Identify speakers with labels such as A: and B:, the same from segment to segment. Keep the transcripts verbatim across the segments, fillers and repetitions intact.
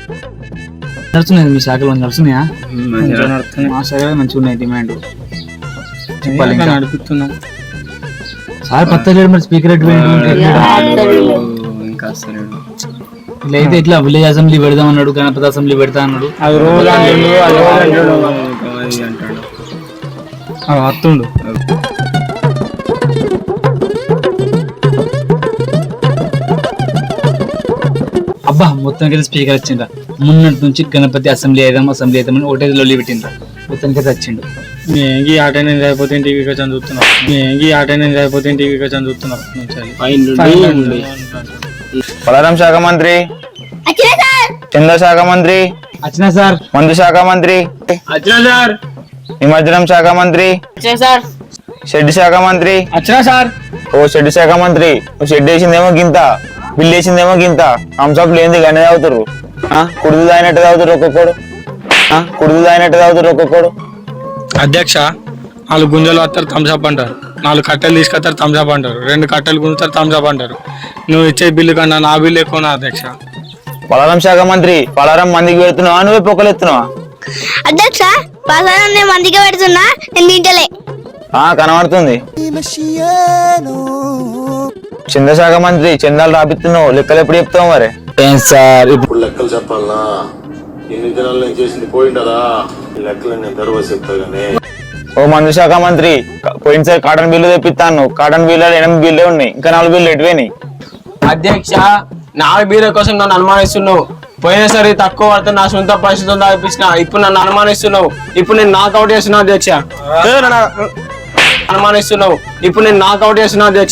A: నడుస్తున్నాయి మీ శాఖలో నడుస్తున్నాయా? మా శాఖలో మంచిగా ఉన్నాయి డిమాండ్.
B: నడుపుతున్నాం
A: సార్ పత్తలేడు మరి స్పీకర్ ఇలా అయితే ఇట్లా విలేజ్ అసెంబ్లీ పెడదాం అన్నాడు, గణపతి అసెంబ్లీ పెడతా అన్నాడు.
B: అది రోజు వస్తుండు.
A: అబ్బా మొత్తానికి స్పీకర్ వచ్చిండ్రా. మొన్నటి నుంచి గణపతి అసెంబ్లీ అయిదాం అసెంబ్లీ అయిదామని ఒకటే లొల్లి పెట్టిండ్రా. మొత్తానికి వచ్చిండు.
B: ఏంగి ఆట నేను అయిపోతే టీవీ వచ్చాను చూస్తున్నాం. ఏంగి ఆట నేను అయిపోతే టీవీ వచ్చాను చూస్తున్నాం.
C: పలారం శాఖ మంత్రి, చంద్ర శాఖ మంత్రి,
A: వచ్చినా సార్.
C: మందు శాఖ మంత్రి,
B: వచ్చినా సార్.
C: నిమజ్జనం శాఖ మంత్రి, షెడ్ శాఖ మంత్రి,
B: వచ్చినా సార్.
C: ఓ షెడ్ శాఖ మంత్రి, షెడ్ వేసిందేమో గింత, బిల్లు వేసిందేమో గింత. హంసప్ లేని గనే తాగుతారు, కుడుదు తాగినట్టు తాగుతారు ఒక్కొక్కడు, కుడుదు తాగినట్టు తాగుతారు ఒక్కొక్కడు.
B: అధ్యక్ష, నాలుగు గుంజలు వస్తారు థమ్స్అప్ అంటారు, నాలుగు కట్టెలు తీసుకొస్తారు థమ్స్అప్ అంటారు, రెండు కట్టెలు గుంజుతారు థమ్స్అప్ అంటారు. నువ్వు ఇచ్చే బిల్లు కన్నా నా బిల్లు ఎక్కువ అధ్యక్ష.
C: పలారం శాఖ మంత్రి, పలారం మందికి పెడుతున్నావా నువ్వే పొక్కలు ఎత్తున్నావా?
D: అధ్యక్ష, పలారం నేను మందికి పెడుతున్నా, నేను తింటలే.
C: ఆ కనబడుతుంది. చంద్రశాఖ మంత్రి, చందాలు రాపిస్తున్నావు, లెక్కలు ఎప్పుడు చెప్తావు మరి?
A: సార్
E: ఇప్పుడు లెక్కలు చెప్పాలనా? ఎన్ని దినాలు నేను చేసింది పోయింటదా? లెక్కలు నేను తర్వాత చెప్తా గానీ.
C: ఓ మందు శాఖ మంత్రి, పోయినసారి కాటన్ బిల్లు తెప్పిస్తాను, కాటన్ బిల్లు ఎనిమిది బిల్లు ఉన్నాయి, ఇంకా నాలుగు బిల్లు ఎటువేనాయి?
F: అధ్యక్ష, నాలుగు బిల్లుల కోసం నన్ను అనుమానిస్తున్నావు. పోయినసారి తక్కువ పడితే నా సొంత పరిస్థితులు దాపిస్తున్నా, ఇప్పుడు నన్ను అనుమానిస్తున్నావు. ఇప్పుడు నేను నాకౌట్ చేస్తున్నా అధ్యక్ష. అనుమానిస్తున్నావు ఇప్పుడు నేను నాకౌట్ చేస్తున్నా అధ్యక్ష.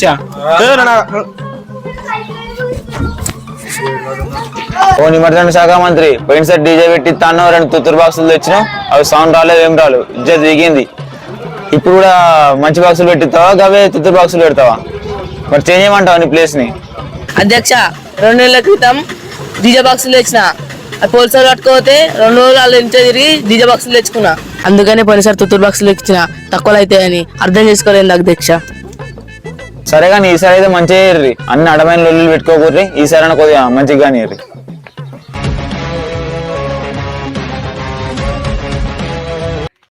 C: ఓ నిమజ్జన శాఖ మంత్రి, పోయినసారి డీజే పెట్టిస్తాను, రెండు తుత్తూరు బాక్సులు తెచ్చినావు, అవి సౌండ్ రాలేదు, ఏం రాలేదు, ఇజ్జత్ దిగింది. ఇప్పుడు కూడా మంచి బాక్సులు పెట్టిస్తావా, అవే తుత్తూరు బాక్సులు పెడతావా? మరి చేంజ్ చేయమంటావా నీ ప్లేస్ ని?
G: అధ్యక్ష, రెండు నెలల క్రితం డీజే బాక్సులు తెచ్చిన, పోలీసులు పట్టుకోతే రెండు రోజులు వాళ్ళు ఇంట్లో తిరిగి డీజే బాక్సులు తెచ్చుకున్నా. అందుకనే పోయినసారి తుత్తూరు బాక్సులు ఇచ్చిన, తక్కువలో అయితే అని అర్థం చేసుకోలేదు అధ్యక్ష.
C: సరే కానీ ఈసారి అయితే మంచిగా అన్ని అడమైన లొల్లు పెట్టుకోకూర్రి, ఈసారి కొద్దిగా మంచిగా కానీ